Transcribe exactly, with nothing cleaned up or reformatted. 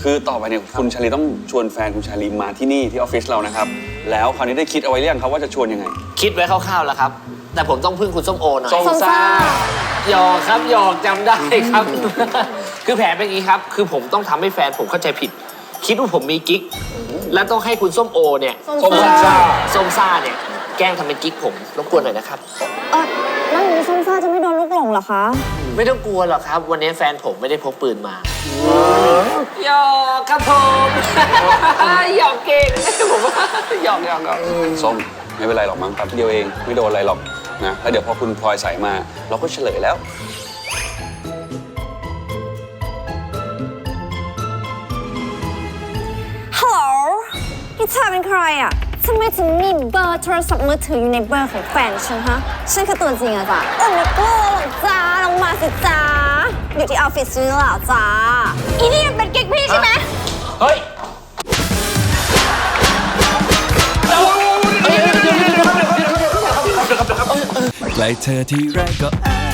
คือต่อไปเนี่ยคุณชาลีต้องชวนแฟนคุณชาลีมาที่นี่ที่ออฟฟิศเรานะครับแล้วคราวนี้ได้คิดเอาไว้หรือยังครับว่าจะชวนยังไงคิดไว้คร่าวๆแล้วครับแต่ผมต้องพึ่งคุณส้มโอหน่อยส้มซ่าหยอกครับหยอกจำได้ครับ คือแผนเป็นอย่างนี้ครับคือผมต้องทำให้แฟนผมเข้าใจผิด คิดว่าผมมีกิ๊กและต้องให้คุณส้มโอเนี่ยส้มซ่าส้มซ่าเนี่ยแกล้งทำเป็นกิ๊กผมรบกวนหน่อยนะครับเออแล้วอย่างนี้ส้มซ่าจะไม่โดนลูกหลงเหรอคะไม่ต้องกลัวหรอกครับวันนี้แฟนผมไม่ได้พกปืนมาหยอกครับผม หยอกเก่งผมว่าหยอกหยอกหยอกส้มไม่เป็นไรหรอกมั้งแป๊บเดียวเองไม่โดนอะไรหรอกนะแล้วเดี๋ยวพอคุณพลอยใส่มาเราก็เฉลยแล้วฮัลโหลนี่เธอเป็นใครอ่ะทำไมถึงมีเบอร์โทรศัพท์มือถืออยู่ในเบอร์ของแฟนฉันฮะฉันคือตัวจริงอะจ้ะเออไม่กลัวหรอกจ้าลงมาสิจ้าอยู่ที่ออฟฟิศนี่แหละจ้าอีนี่มันเป็นกิ๊กพี่ใช่ไหมเฮ้ยใกล้เธอที่ไรก็อ้า